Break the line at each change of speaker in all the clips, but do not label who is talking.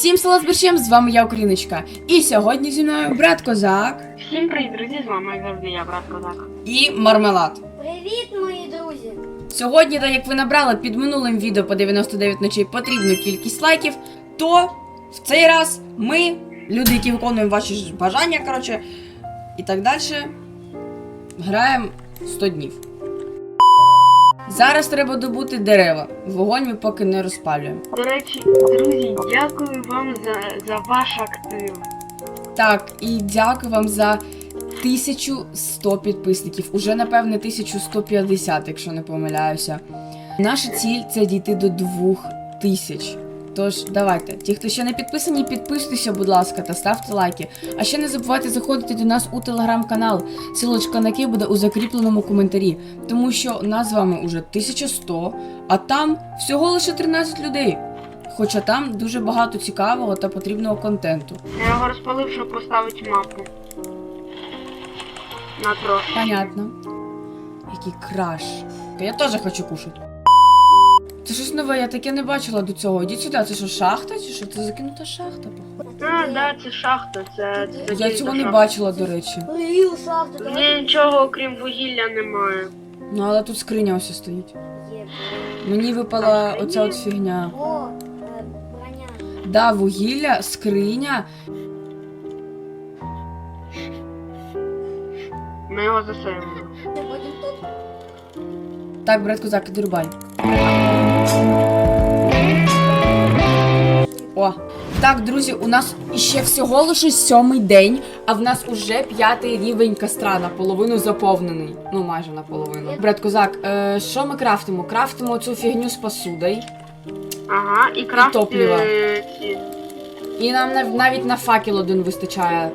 Всім село з борщем, з вами я, Україночка. І сьогодні зі мною брат Козак.
Всім привіт, друзі, з вами як завжди я, брат Козак.
І Мармелад.
Привіт, мої друзі!
Сьогодні, так як ви набрали під минулим відео по 99 ночей потрібну кількість лайків, то в цей раз ми, люди, які виконуємо ваші ж бажання, коротше, і так далі, граємо 100 днів. Зараз треба добути дерева. Вогонь ми поки не розпалюємо.
До речі, друзі, дякую вам за ваш актив.
Так, і дякую вам за 1100 підписників. Уже, напевне, 1150, якщо не помиляюся. Наша ціль – це дійти до 2000. Тож, давайте. Ті, хто ще не підписані, підписуйтеся, будь ласка, та ставте лайки. А ще не забувайте заходити до нас у телеграм-канал. Силочка на який буде у закріпленому коментарі. Тому що нас з вами уже 1100, а там всього лише 13 людей. Хоча там дуже багато цікавого та потрібного контенту.
Я його розпалив, щоб поставити мапу. На трошки.
Понятно. Який краш. Я теж хочу кушати. Це щось нове, я таке не бачила до цього. Ідіть сюди, це що, шахта чи що? Це закинута шахта, походу.
Да, це шахта, це
Я цього не бачила, до речі.
Привіт, шахта,
Ні, нічого, окрім вугілля, немає.
Ну, але тут скриня ось стоїть.
Є.
Мені випала оця от фігня.
О, броня.
Да, вугілля, скриня.
Ми його засейвили.
Ти будемо тут?
Так, брат Козак, іди рубай. О. Так, друзі, у нас ще всього лише 7-й день, а в нас уже 5-й рівень костра, наполовину заповнений. Ну, майже наполовину. Брат Козак, що ми крафтимо? Крафтимо цю фігню з посудою.
Ага, і крафт
топливо.
ці.
І нам навіть на факел один вистачає.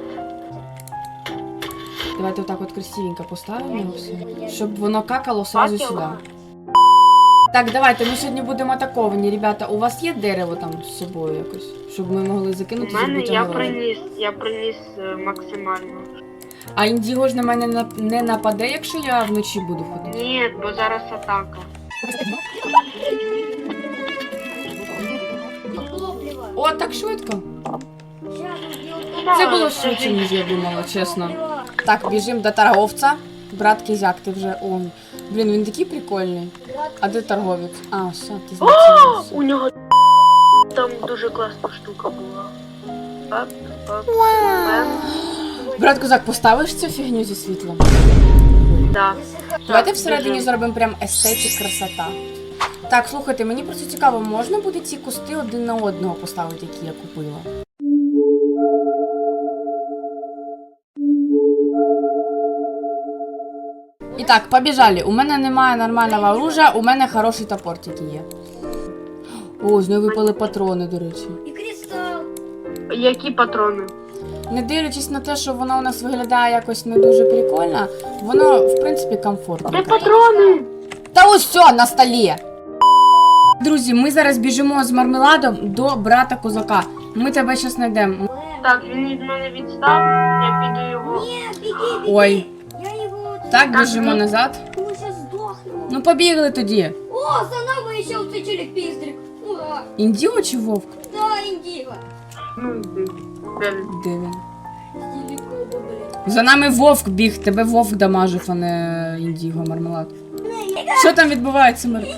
Давайте отак от красивенько поставимо його все, щоб воно какало сразу
Факел?
сюди. Так, давайте, ми сьогодні будемо атаковані, ребята. У вас є дерево там з собою якось? Щоб ми могли
У
закинути,
мене
зробити
я
огород?
приніс максимально.
А Індіго ж на мене не нападе, якщо я вночі буду ходити?
Ні, бо зараз атака.
Топливо.
О, так швидко.
Щас
Це було швидше, ніж я думала, чесно. Так, біжимо до торговця. Брат Кізяк, ти вже... О, блін, він такий прикольний. А де торговець? А, все, ти
О,
знаєш.
у нього там дуже класна штука була. Оп, оп,
Брат Козак, поставиш цю фігню зі світлом?
да.
Давайте всередині
Біжим.
зробимо прям естетик, красота. Так, слухайте, мені просто цікаво, можна буде ці кусти один на одного поставити, які я купила? І так, побіжали. У мене немає нормального оружия, у мене хороший топор тільки є. О, з неї випали патрони, до речі.
І кристал.
Які патрони?
Не дивлячись на те, що воно у нас виглядає якось не дуже прикольно, воно, в принципі, комфортно.
Де патрони?
Та ось все, на столі! Друзі, ми зараз біжимо з Мармеладом до брата Козака. Ми тебе зараз знайдемо.
Так, він від мене відстав, я піду його.
Ні, біги, біги.
Ой,
Я його...
так, біжимо назад.
Ми зараз здохнемо.
Ну, побігли тоді.
О, за нами ще оцей челік-пістрик. Ура.
Індіго чи вовк?
Да, індіго.
Ну, де він?
Де він?
Індіго, блін.
За нами вовк біг, тебе вовк дамажив, а не індіго, Мармелад. Що там відбувається, Мар?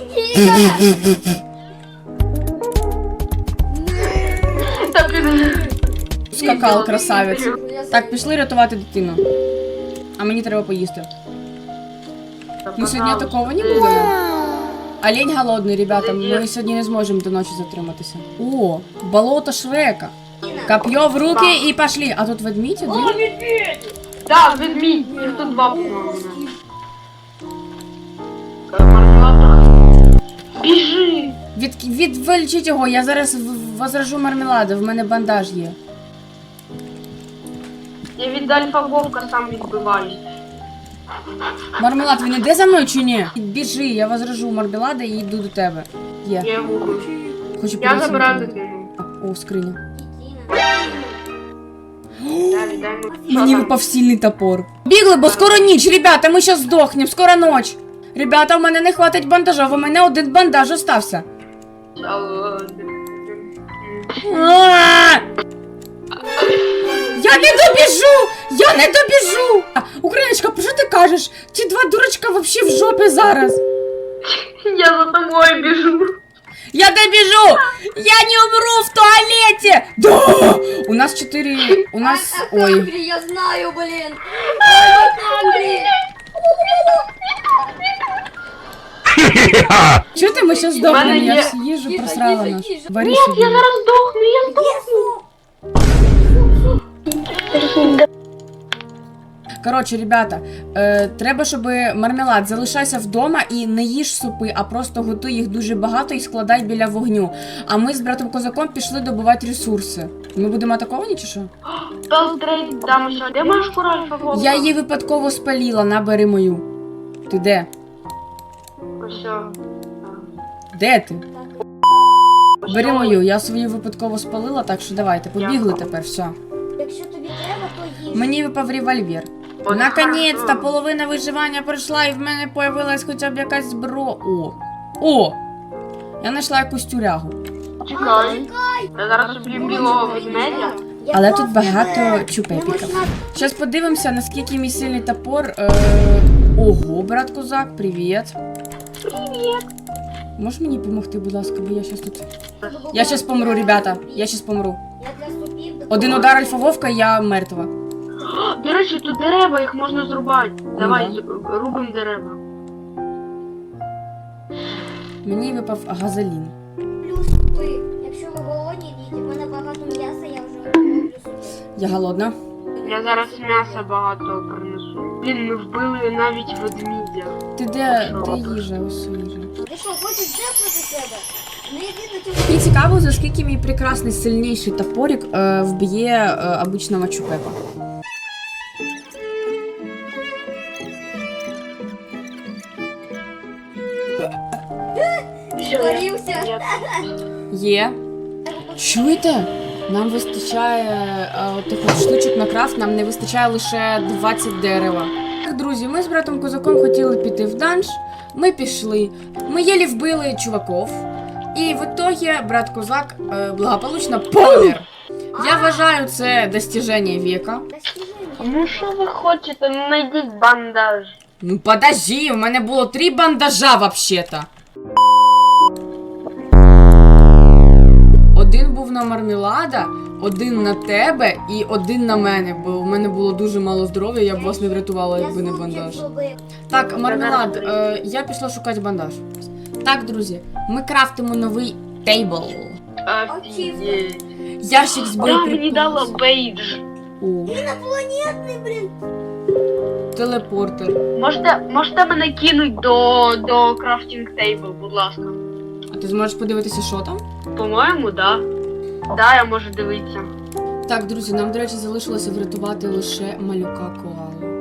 Так, він...
Скакал, красавець. Так, пішли рятувати дитину. А мені треба поїсти. Ми сьогодні атаковані були? Олень голодний, ребята, ми сьогодні не зможемо до ночі затриматися. О, болото Шрека. Коп'є в руки і пошли. А тут ведмідь один?
Да, ведмідь, їх тут два по-моєму. Мармелад. Біжи!
Відволічіть його, я зараз возражу Мармелада, в мене бандаж є.
Я від альфа-вовка сам відбиваюсь.
Мармелад, він іде за мною чи ні? Біжи, я возражу Мармелада і йду до тебе. Є.
Я його убив.
Хочу
Я
подивитися на
забираю
тебе.
дитину.
О, скриня.
Дай
Мені випав сильний топор. Бігли, бо скоро ніч, ребята, ми щас здохнем, скоро ніч. Ребята, у мене не хватить бандажа, у мене один бандаж остався.
А,
А! не добіжу! Я не добіжу! Україночка, про що ти кажеш? Ті два дурачка вообще в жопі зараз.
Я за тобой бежу.
Я добіжу! Я не умру в туалеті! Да! У нас 4... У нас... Ой.
Хангри, я знаю, блин. Ой, Хангри.
Чого ти ми ще здохнемо?
Мене
Я
є-
всю їжу
Тихо,
просрала
тихо,
нашу.
тихо.
Варі
Нет,
собі.
я зараз сдохну, я сдохну.
Коротше, ребята, треба, щоб мармелад залишайся вдома і не їж супи, а просто готуй їх дуже багато і складай біля вогню. А ми з братом Козаком пішли добувати ресурси. Ми будемо атаковані чи що?
Толстрейд, там еще. Де моя шкура альфа-волка?
Я її випадково спаліла, набери мою. Ти де?
Все.
Де ти? Бери мою, я свою випадково спалила, так що давайте, побігли тепер, все.
Якщо тобі треба, то їж.
Мені випав револьвер.
От
Наконець-то
хорошо.
половина виживання пройшла і в мене появилась хоча б якась зброя. О! Я знайшла якусь тюрягу.
Чекай. Я зараз уб'ю білого ведмедя.
Але тут багато чупепіків. Зараз подивимося, наскільки мій сильний топор. Ого, брат Козак, привіт.
Привіт.
Можеш мені допомогти, будь ласка, бо я щас тут. Я щас помру, ребята. Я щас помру.
Я для супів
Один удар альфа-вовка, і я мертва.
До речі, тут дерева, їх можна зрубати. Давай,
да.
рубимо дерева.
Мені випав газолін.
плюс супи. Якщо ви голодні, йдіть. У мене багато м'яса, я вже роблю супи.
Я голодна.
Я зараз м'яса багато принесу. Блін, ми вбили навіть ведмідя.
Ти де їжа? Ось їжа.
Ти що, хочеш дефнути себе? Не йди до цього.
Мені цікаво, за скільки мій прекрасний сильніший топорик вб'є обичного чупепа.
Згорівся.
Є. Чуєте? Нам вистачає тих от штучок на крафт, нам не вистачає лише 20 дерева. Так, друзі, ми з братом Козаком хотіли піти в данж, ми пішли, ми єлі вбили чуваків, і в ітогі брат Козак благополучно помер. Я вважаю це достіження віка.
Ну що ви хочете? Ну знайдіть бандаж.
Ну подожди, у мене було 3 бандажа вообще-то. Один був на мармелада, один на тебе і один на мене, бо в мене було дуже мало здоров'я, я б вас не врятувала, якби не бандаж. Так, мармелад, я пішла шукати бандаж. Так, друзі, ми крафтимо новий тейбл.
Офігеть.
Ящик з
Да, мені
боєприпасами.
дало бейдж.
О,
Інопланетний, блін.
телепортер.
Можете мене кинуть до крафтинг тейбл, будь ласка.
А ти зможеш подивитися, що там?
По-моєму, да. Да, я можу дивитися.
Так, друзі, нам, до речі, залишилося врятувати лише малюка коалу.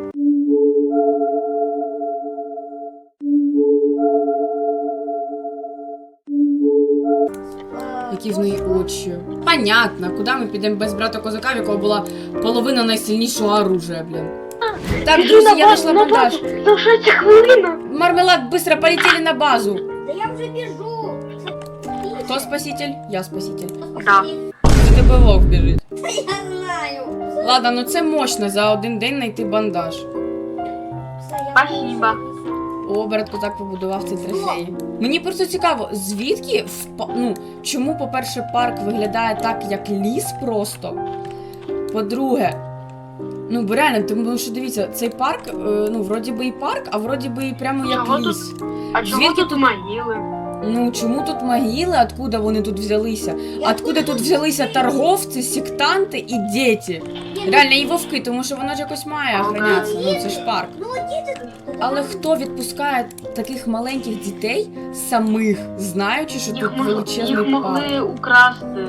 Які в неї очі. Понятно, куди ми підемо без брата Козака, в якого була половина найсильнішого оружия, блін. Так,
Біжи
друзі,
на
я
базу,
знайшла
на
бандаж.
базу. Залишається хвилина.
Мармелад, быстро полетели на базу.
Да я вже біжу.
Кто спаситель? Я спаситель.
Да.
За тебе вовк біжить.
Та я знаю.
Ладно, ну це мощно за один день знайти бандаж.
Все, я
Спасибо.
О, брат Козак побудував ці трофеї. Мені просто цікаво, звідки чому, по-перше, парк виглядає так, як ліс просто. По-друге, бо реально, тому що дивіться, цей парк, вроді би і парк, а вроді би і прямо як
Чого
ліс.
А чому
Звідки
тут
тут-
могили?
Ну, чому тут могили, откуда вони тут взялися? Откуда тут взялися торговці, сектанти і діти? Реально, і вовки, тому що воно ж якось має охранятися, це ж парк.
Ну, діти.
Але хто відпускає таких маленьких дітей самих, знаючи, що тут величезний
Їх
парк?
могли украсти.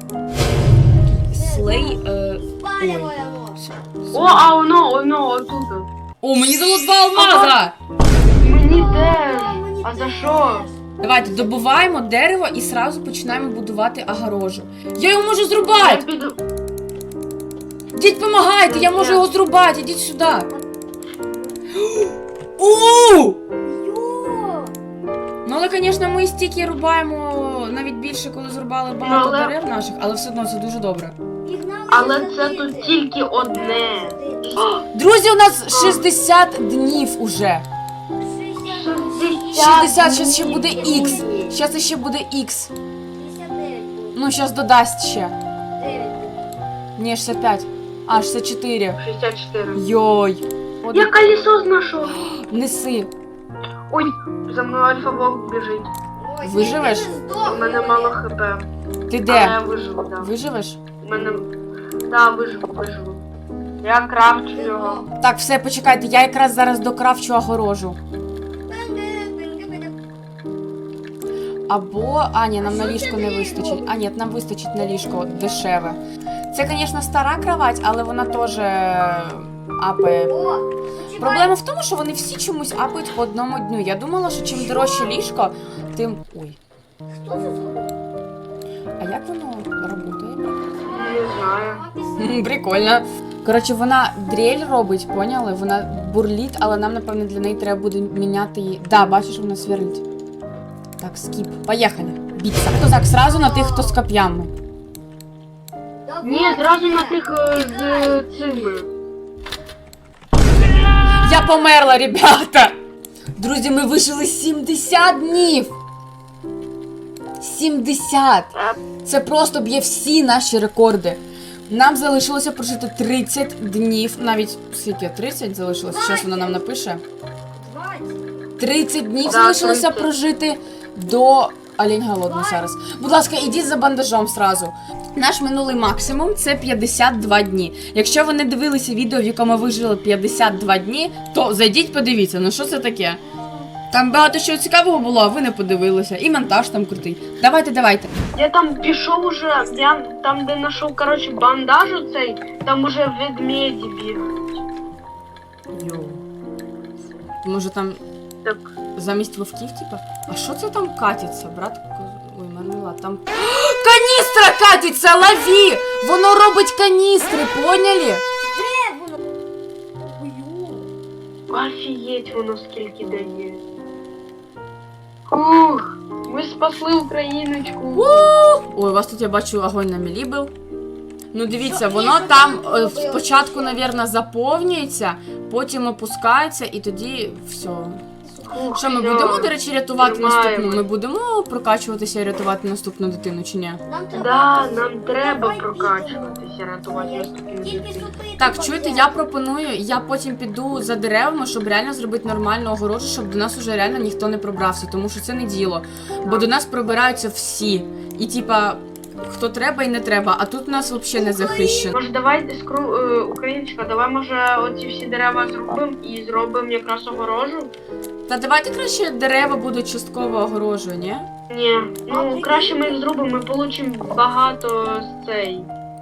Слей.
Спалюємо.
О, а воно, отут.
О, мені дало 2 алмаза!
Мені теж. А за що?
Давайте добуваємо дерево і сразу починаємо будувати огорожу. Я його можу
Я
зрубати!
піду.
Діть, помагайте, я можу його зрубати, ідіть сюди. У!
Йо!
Ну, але, звісно, ми стільки рубаємо навіть більше, коли зрубали багато
Але-
дерев наших, але все одно це дуже добре.
Пігнали
Але
за
це
ними.
тут тільки одне.
Друзі, у нас 60 днів уже. 60, щас ще буде Х. Щас ще буде Х.
59 буде.
Ну, щас додасть ще.
9
Ні, 65. А, 64.
64.
Йой.
Я колесо знайшов.
Неси.
Ой, за мною альфа-волк біжить.
Ой,
Виживеш?
ти не здох,
У мене мало хп.
Ти
Але я
де?
виживу, да.
Виживеш?
У мене... Да, виживу. Я крафчу його.
Так, все, почекайте, я якраз зараз докрафчу огорожу. Або. А, ні, нам на ліжко не вистачить. А, ні, нам вистачить на ліжко дешеве. Це, звісно, стара кровать, але вона теж апає.
О,
Проблема в тому, що вони всі чомусь апають по одному дню. Я думала, що чим дорожче ліжко, тим. Ой.
хто це зробив?
А як воно працює?
Не знаю.
Прикольно. Коротше, вона дрель робить, поняли? Вона бурліт, але нам, напевно, для неї треба буде міняти її. Да, бачиш, вона сверлить. Так, скіп. Поїхали. Біться. Хто так, сразу на тих, хто з коп'ями.
Ні, зразу на тих з цими.
Я померла, ребята! Друзі, ми вижили 70 днів! 70! Це просто б'є всі наші рекорди. Нам залишилося прожити 30 днів, навіть скільки? 30 залишилося? Зараз вона нам напише.
20.
30 днів
Да,
залишилося
30.
прожити до... Олень голодний зараз. Будь ласка, ідіть за бандажом сразу. Наш минулий максимум це 52 дні. Якщо ви не дивилися відео, в якому ви жили 52 дні, то зайдіть, подивіться, ну що це таке? Там багато чого цікавого було, а ви не подивилися. І монтаж там крутий. Давайте.
Я там пішов уже, я там, де знайшов, коротше, бандаж оцей, там уже ведмеді бігають.
Йоу. Може там
Так,
замість вовків, типа? А що це там катиться, брат? Ой, мармелад, там... Каністра катиться, лови! Воно робить каністри, поняли?
Де воно? Ой,
офігеть воно скільки дає. Ух, ми спасли Україночку.
Ой, у вас тут, я бачу, огонь на мілі був. Ну, дивіться,
Що,
воно
ні,
там
що там
спочатку,
робилось?
мабуть, заповнюється, потім опускається і тоді все.
Ух,
Що, ми
всьо,
будемо, до речі, рятувати
тримаємо.
наступну? Ми будемо прокачуватися і рятувати наступну дитину, чи ні?
Нам треба...
Да, нам треба
Давай
прокачуватися, рятувати наступну
Тільки
дитину.
сюди
Так,
треба
чуєте,
взяти.
я пропоную, я потім піду за деревами, щоб реально зробити нормальну огорожу, щоб до нас уже реально ніхто не пробрався, тому що це не діло. Бо до нас пробираються всі. І типа, хто треба і не треба, а тут у нас взагалі не захищено.
Може, давай, Україночка, давай, може, оці всі дерева зробимо і зробимо якраз огорожу?
Та давайте краще дерева будуть частково огорожою, ні?
Ні, ну краще ми їх зробимо, ми получимо багато з цей.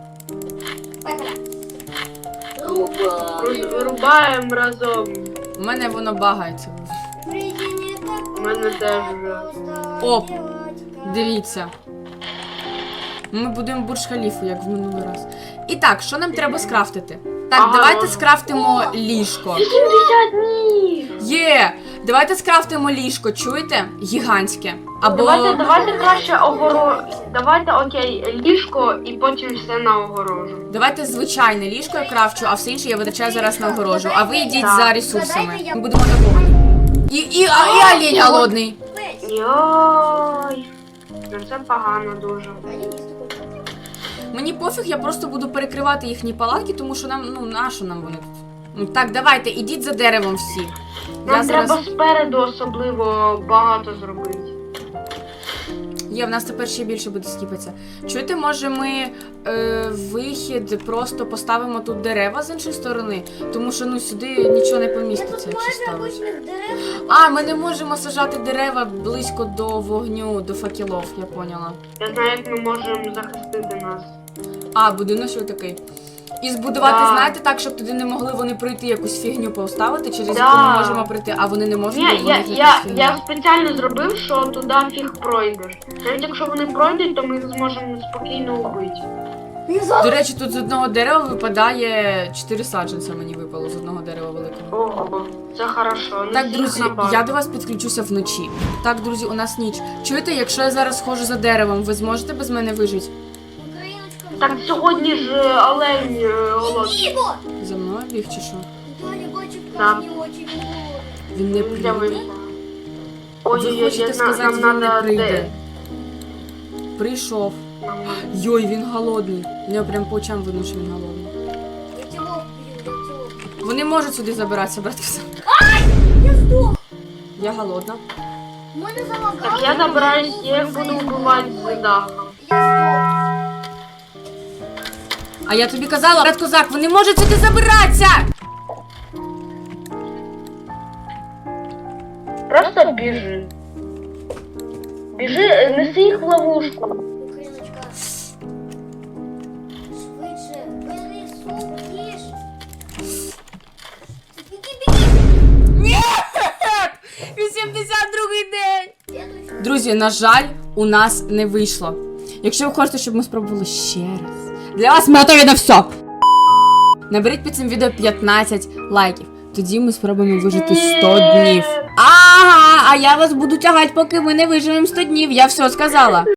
Рубаємо разом.
У мене воно багається.
У мене теж вже.
Оп, дивіться. Ми будемо бурж-халіфу, як в минулий раз. І так, що нам треба скрафтити? Так,
Ага.
давайте скрафтимо ліжко.
80 днів!
Є! Давайте скрафтимо ліжко, чуєте? Гігантське. Або...
Давайте краще Давайте, окей, ліжко і потім все на огорожу.
Давайте звичайне ліжко я крафчу, а все інше я витрачаю зараз на огорожу. А ви йдіть
Так.
за ресурсами.
Давайте я-
Ми будемо атаковані. І олень голодний.
Йой. Ну це погано дуже.
Мені пофіг, я просто буду перекривати їхні палатки, тому що нам, ну, нащо нам вони тут? Ну, так, давайте, ідіть за деревом всі.
Нам треба спереду особливо багато зробити.
Є, в нас тепер ще більше буде скіпатися. Чуєте, може ми вихід просто поставимо тут дерева з іншої сторони? Тому що, ну, сюди нічого не поміститься, якщо ставити. А, ми не можемо сажати дерева близько до вогню, до факелов, я поняла.
Я знаю, як ми можемо захистити нас.
А, будиночок такий. І збудувати,
Да.
знаєте, так, щоб туди не могли вони пройти якусь фігню поставити, через
Да.
яку ми можемо пройти, а вони не можуть, бо
Ні,
в них якась
я
фігня.
спеціально зробив, що туди фіг пройдеш. Навіть якщо вони пройдуть, то ми їх зможемо спокійно вбити.
До речі, тут з одного дерева випадає 4 саджанця, мені випало з одного дерева великого.
Ого, це хорошо. Ну,
Так,
всіх
друзі,
на базу.
я до вас підключуся вночі. Так, друзі, у нас ніч. Чуєте, якщо я зараз схожу за деревом, ви зможете без мене вижити?
Так сьогодні ж олень голодний.
Іго!
За мною біг чи що?
Да, я бачу
Да.
красні очі.
Він не
Я
прийде.
вийшла.
Ви
Ой-ой-ой,
хочете сказати,
нам
він не
надо
прийде?
де?
Прийшов. Йой, він голодний. У нього прям по очам видно, що він голодний.
Я цілок б'ю, я цілок.
Вони можуть сюди забиратися, братки.
Я здох!
Я голодна.
У мене залагало.
Так, я забираюсь, я їх буду вбивати з дахом.
Я
А я тобі казала, брат козак, вони можуть сюди забиратися!
Просто біжи. Біжи, неси їх в ловушку.
здох. Україночка. Швидше. Бери суп, їж. Біги.
Ні! 82-й день!
Слідуй.
Друзі, на жаль, у нас не вийшло. Якщо ви хочете, щоб ми спробували ще раз, для вас ми готові на все. Наберіть під цим відео 15 лайків. Тоді ми спробуємо вижити 100 днів. Ага, а я вас буду тягати, поки ми не виживемо 100 днів. Я все сказала.